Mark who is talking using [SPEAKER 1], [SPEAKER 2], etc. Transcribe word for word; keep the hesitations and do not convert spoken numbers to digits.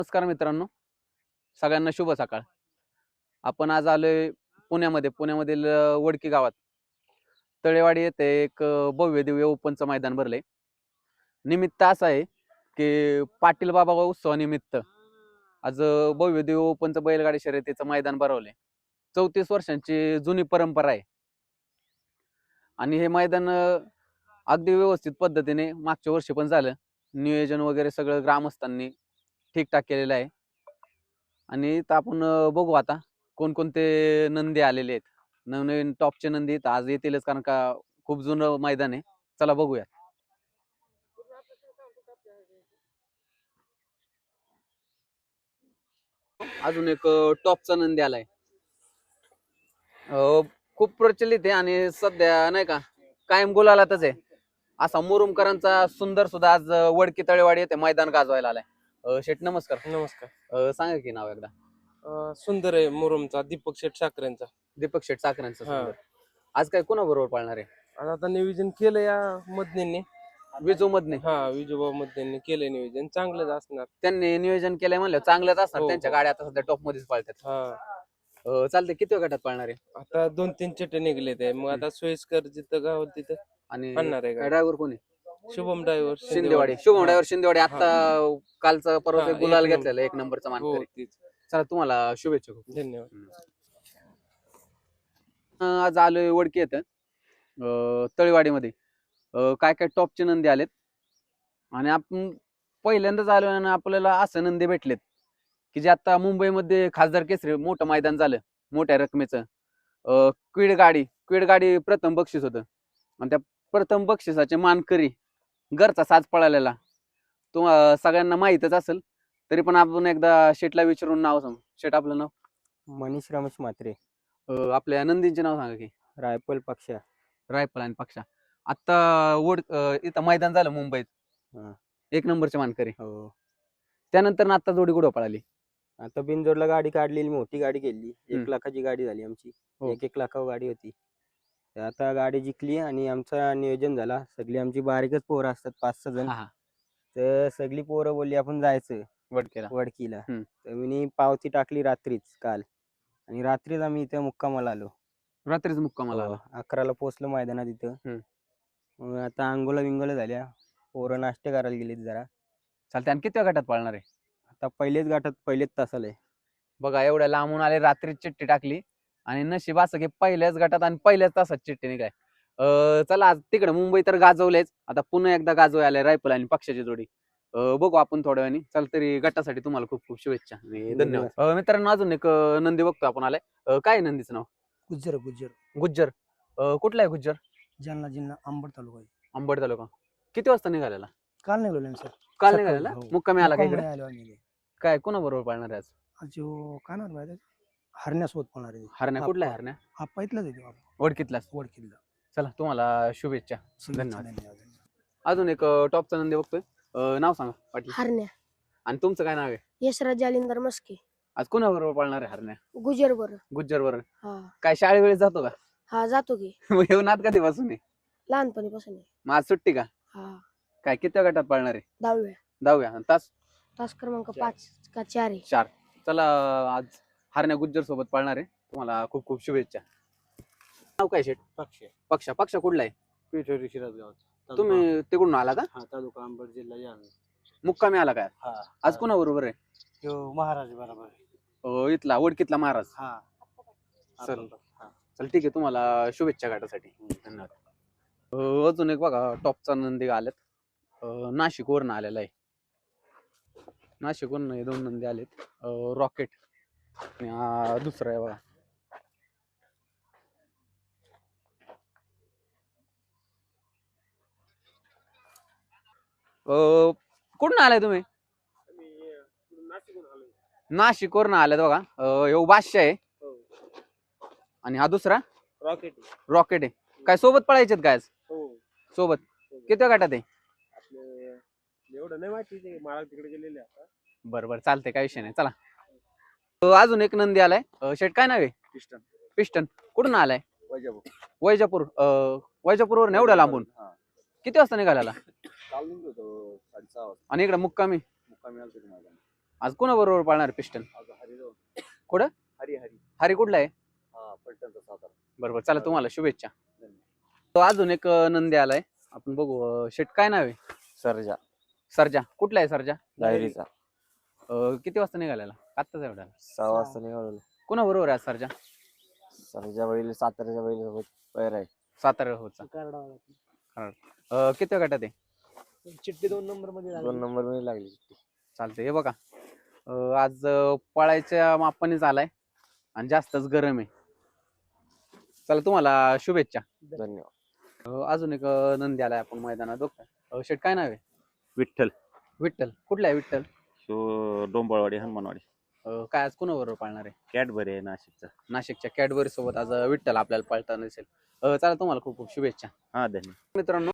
[SPEAKER 1] नमस्कार मित्रांनो, सगळ्यांना शुभ सकाळ. आपण आज आलोय पुण्यामध्ये पुण्यामधील अ, वडकी गावात तळेवाडी येथे एक अ, भव्य दिव्य ओपनचं मैदान भरलंय. निमित्त असं आहे की पाटील बाबा उत्सवानिमित्त आज अ, भव्य दिव्य ओपनचं बैलगाडी शर्यतीचं मैदान भरवलंय. चौतीस वर्षांची जुनी परंपरा आहे आणि हे मैदान अ, अगदी व्यवस्थित पद्धतीने मागच्या वर्षी पण झालं. नियोजन वगैरे सगळं ग्रामस्थांनी ठीकठाक केलेलं आहे. आणि इथं आपण अ, बघू आता कोणकोणते नंदी आलेले आहेत. नवनवीन टॉपचे नंदी तर आज येतीलच, कारण का खूप जुनं मैदान आहे. चला बघूया. अजून एक अ, टॉपचा नंदी आलाय. अ, खूप प्रचलित आहे आणि सध्या नाही का कायम गुलालातच आहे. असा मुरुमकरांचा सुंदर सुद्धा आज अ, वडकी तळेवाडी येथे मैदान गाजवायला आलाय. अ, शेठ नमस्कार.
[SPEAKER 2] नमस्कार.
[SPEAKER 1] अ, सांगा की नाव एकदा.
[SPEAKER 2] अं, सुंदर आहे मुरुमचा दीपक शेठ साखरेंचा.
[SPEAKER 1] दीपक शेठ साखरेंचं
[SPEAKER 2] हा.
[SPEAKER 1] सुंदर. आज काय कोणाबरोबर पाळणार आहे?
[SPEAKER 2] आज आता नियोजन केलं या मदनेंनी.
[SPEAKER 1] विजू मधने.
[SPEAKER 2] हा विजोबा मदनेंनी केलंय नियोजन, चांगलंच असणार.
[SPEAKER 1] त्यांनी नियोजन केलंय म्हणलं चांगलंच असणार.
[SPEAKER 2] हो,
[SPEAKER 1] त्यांच्या
[SPEAKER 2] हो.
[SPEAKER 1] गाड्या आता सध्या टॉप मध्येच पळतात.
[SPEAKER 2] हा
[SPEAKER 1] अ, चालतंय. किती गटात पळणार आहे?
[SPEAKER 2] आता दोन तीन चटे निघले ते, मग आता सोयीस्कर जिथं गाव तिथं
[SPEAKER 1] आणि
[SPEAKER 2] आणणार आहे गाडी.
[SPEAKER 1] ड्रायव्हर कोणी?
[SPEAKER 2] शुभम ड्रायव्हर
[SPEAKER 1] शिंदेवाडी. शुभम ड्रायव्हर शिंदेवाडी.
[SPEAKER 2] हा.
[SPEAKER 1] आता कालचा परवा
[SPEAKER 2] हा, एक
[SPEAKER 1] गुलाल
[SPEAKER 2] नंबर.
[SPEAKER 1] घेतलेला एक नंबरचा
[SPEAKER 2] हो
[SPEAKER 1] मानकरी.
[SPEAKER 2] तीच.
[SPEAKER 1] चला तुम्हाला शुभेच्छा खूप.
[SPEAKER 2] धन्यवाद.
[SPEAKER 1] अ, आज आलोय वडकी येतं अ, तळेवाडीमध्ये. अ, काय काय टॉपचे नंदी आलेत आणि आपण पहिल्यांदाच आलो आणि आपल्याला असं नंदी भेटलेत की जे आता मुंबईमध्ये खासदार केसरी मोठं मैदान झालं मोठ्या रकमेचं. अ, क्वीड गाडी क्वीड गाडी प्रथम बक्षीस होतं आणि त्या प्रथम बक्षिसाचे मानकरी घरचा साज पळालेला तो अ, सगळ्यांना माहीतच असेल. तरी पण आपण एकदा शेटला विचारून नाव सांगू. शेट आपलं नाव?
[SPEAKER 3] मनीष रमेश म्हात्रे.
[SPEAKER 1] अ, आपल्या नंदींचे नाव सांगा की.
[SPEAKER 3] रायफल पक्षा.
[SPEAKER 1] रायफल आणि पक्षा. आता वड अ, इथं मैदान झालं मुंबईत.
[SPEAKER 3] हा.
[SPEAKER 1] एक नंबरचे मानकरी.
[SPEAKER 3] हो.
[SPEAKER 1] त्यानंतर ना आता जोडी कुठं पळाली?
[SPEAKER 3] आता बिनजोडला गाडी काढलेली, मोठी गाडी केली.
[SPEAKER 1] हम्म.
[SPEAKER 3] एक लाखाची गाडी झाली आमची.
[SPEAKER 1] हो.
[SPEAKER 3] एक एक लाखावर गाडी होती. तर आता गाडी जिंकली आणि आमचा नियोजन झाला. सगळी आमची बारीकच पोरं असतात, पाच सहा जण.
[SPEAKER 1] हा हा.
[SPEAKER 3] तर सगळी पोरं बोलली आपण जायचं
[SPEAKER 1] वडकेला.
[SPEAKER 3] वडकीला.
[SPEAKER 1] हम्म.
[SPEAKER 3] तर मी पावती टाकली रात्रीच काल, आणि रात्रीच आम्ही इथे मुक्कामाला आलो.
[SPEAKER 1] रात्रीच मुक्कामाला
[SPEAKER 3] हो,
[SPEAKER 1] आला.
[SPEAKER 3] अकराला पोहोचलो मैदानात इथं.
[SPEAKER 1] हम्म.
[SPEAKER 3] मग आता अंघोला विंगोला झाल्या, पोरं नाश्ते करायला गेलीत जरा.
[SPEAKER 1] चालते. आणि किती गटात पळणार आहे?
[SPEAKER 3] आता पहिलेच गाठात पहिलेच तासाला आहे.
[SPEAKER 1] बघा एवढ्या लांबून आले, रात्रीच चिठ्ठी टाकली आणि नशीब असं की पहिल्याच गटात आणि पहिल्याच तासात चिठ्ठी निघाय. अ चला आज तिकडे मुंबई तर गाजवलेच, आता पुन्हा एकदा गाजवाय आले रायफल आणि पक्षाची जोडी. अ, बघू आपण थोड्या वेळाने. चल तरी गटासाठी तुम्हाला खूप खूप शुभेच्छा आणि धन्यवाद. अ, मित्रांनो अजून एक अ, नंदी बघतो आपण आलाय. अ, काय आहे नंदीचं नाव?
[SPEAKER 4] गुज्जर गुज्जर
[SPEAKER 1] गुज्जर. अ, कुठला आहे गुज्जर?
[SPEAKER 4] जालना जिल्हा अंबड तालुका आहे.
[SPEAKER 1] अंबड तालुका. किती वाजता निघालेला?
[SPEAKER 4] काल निघालो ना सर.
[SPEAKER 1] काल
[SPEAKER 4] सकाळी,
[SPEAKER 1] निघालेला?
[SPEAKER 4] हो.
[SPEAKER 1] मुक्कामी आला का इकडे?
[SPEAKER 4] मुक्कामी आलो आम्ही.
[SPEAKER 1] काय कोणाबरोबर पाळणार आहे आज?
[SPEAKER 4] आज जो काय नाव माहिती हरण्यासोबत पळणार आहे.
[SPEAKER 1] हरण्या कुठला आहे हरण्या?
[SPEAKER 4] आप्पा इथलाच आहे तो.
[SPEAKER 1] वडकीतलाच.
[SPEAKER 4] वडकिल्ला.
[SPEAKER 1] चला तुम्हाला शुभेच्छा.
[SPEAKER 4] शुभेच्छा,
[SPEAKER 1] धन्यवाद.
[SPEAKER 4] धन्यवाद.
[SPEAKER 1] अजून एक अ, टॉपचा नंदी बघतोय. अ, नाव सांगा पाटील.
[SPEAKER 5] हरण्या.
[SPEAKER 1] आणि तुमचं काय नाव आहे?
[SPEAKER 5] यशराज जालिंदर मस्के.
[SPEAKER 1] आज कोणाबरोबर पळणार आहे हरण्या?
[SPEAKER 5] गुजर बर.
[SPEAKER 1] गुज्जर बरोबर.
[SPEAKER 5] हा
[SPEAKER 1] काय शाळेवेळेस जातो का?
[SPEAKER 5] हा जातो की.
[SPEAKER 1] मग येऊन आत कधीपासून आहे?
[SPEAKER 5] लहानपणीपासून आहे.
[SPEAKER 1] मग आज सुट्टी का?
[SPEAKER 5] हा
[SPEAKER 1] काय किती गटात पळणार आहे?
[SPEAKER 5] दहाव्या.
[SPEAKER 1] दहाव्या. आणि तास?
[SPEAKER 5] तास क्रमांक पाच का चार आहे.
[SPEAKER 1] चार. चला आज हरण्या गुज्जर सोबत पळणार आहे. तुम्हाला खूप खूप शुभेच्छा. नाव काय शेट?
[SPEAKER 2] पक्ष
[SPEAKER 1] पक्षा. पक्षा कुठला आहे?
[SPEAKER 2] पिठोरी शिरसगाव.
[SPEAKER 1] तुम्ही तिकडून आला का?
[SPEAKER 2] हा तालुका अंबड जिल्हा जालना.
[SPEAKER 1] मुक्कामी आला काय?
[SPEAKER 2] हा
[SPEAKER 1] आज कोणाबरोबर आहे?
[SPEAKER 2] तो महाराज बरोबर.
[SPEAKER 1] अ, इथला वडकीतला महाराज.
[SPEAKER 2] हा
[SPEAKER 1] चल चल ठीक आहे. तुम्हाला शुभेच्छा गाठासाठी. धन्यवाद. अ, अजून एक बघा टॉपचा नंदी आलेत. अ, नाशिकवरून आलेला आहे. नाशिकवरून हे दोन नंदी आलेत. अ, रॉकेट आणि हा दुसरा आहे बघा. अ, कुठून आलाय तुम्ही? नाशिकवरून आल्यात बघा. अ, ह्यो बादशाह आहे आणि हा दुसरा
[SPEAKER 2] रॉकेट.
[SPEAKER 1] रॉकेट आहे. काय सोबत पळायचेत काय आज?
[SPEAKER 2] हो
[SPEAKER 1] सोबत. किती गटात आहे?
[SPEAKER 2] आपले एवढं नाही माहिती, ते महाराज तिकडे गेलेले आता.
[SPEAKER 1] बरं बरं चालतंय, काय विषय नाही. चला. अ, अजून एक नंदी आलाय. अ, शेट काय नाव आहे?
[SPEAKER 2] पिस्टन.
[SPEAKER 1] पिस्टन. कुठून आलाय?
[SPEAKER 2] वैजापूर.
[SPEAKER 1] वैजापूर. अ, वैजापूरवरून एवढ्या लांबून
[SPEAKER 2] हा.
[SPEAKER 1] किती वाजता निघालेला?
[SPEAKER 2] काल निघलो होतो साडेसहा वाजता.
[SPEAKER 1] आणि इकडे मुक्कामी?
[SPEAKER 2] मुक्कामी आलतो तुम्हाला.
[SPEAKER 1] आज कोणाबरोबर पाळणार पिस्टन? कुठं?
[SPEAKER 2] हरी हरी
[SPEAKER 1] हरी कुठला आहे?
[SPEAKER 2] हा पलटणचा सातारा.
[SPEAKER 1] बरोबर, चला तुम्हाला शुभेच्छा. तो अजून एक अं, नंदी आलाय, आपण बघू. अं, शेट काय नाव आहे?
[SPEAKER 3] सरजा
[SPEAKER 1] सरजा. कुठला आहे सरजा?
[SPEAKER 3] डायरीचा
[SPEAKER 1] अं, किती वाजता निघालेला? आत्ताच एवढा.
[SPEAKER 3] सहा वाजता निघालो.
[SPEAKER 1] कोणा बरोबर आहे आज सरजा?
[SPEAKER 3] सरजा बैल साताऱ्याच्या बैल सोबत पैर आहे.
[SPEAKER 1] सातारा होता. अं, किती गटात आहे?
[SPEAKER 2] चिठ्ठी दोन नंबर मध्ये
[SPEAKER 3] दोन नंबर मध्ये लागली चिठ्ठी.
[SPEAKER 1] चालतंय. हे बघा, अं, आज अं, पळायच्या मापानेच आलाय आणि जास्तच गरम आहे. चला तुम्हाला शुभेच्छा.
[SPEAKER 3] धन्यवाद.
[SPEAKER 1] अं, अजून एक अं, नंदी आलाय आपण मैदानात बघताय. अं, शेट काय नाव आहे?
[SPEAKER 6] विठ्ठल.
[SPEAKER 1] विठ्ठल. कुठला आहे विठ्ठल?
[SPEAKER 6] शो डोंबाळवाडी हनुमानवाडी.
[SPEAKER 1] अं, काय आज कोणाबरोबर पाळणार आहे?
[SPEAKER 6] कॅडबरी आहे नाशिकचा.
[SPEAKER 1] नाशिकच्या कॅडबरी सोबत आज अं, विठ्ठल आपल्याला पळताना दिसेल. अं, चला तुम्हाला खूप खूप शुभेच्छा
[SPEAKER 6] हा धन्यवाद.
[SPEAKER 1] मित्रांनो.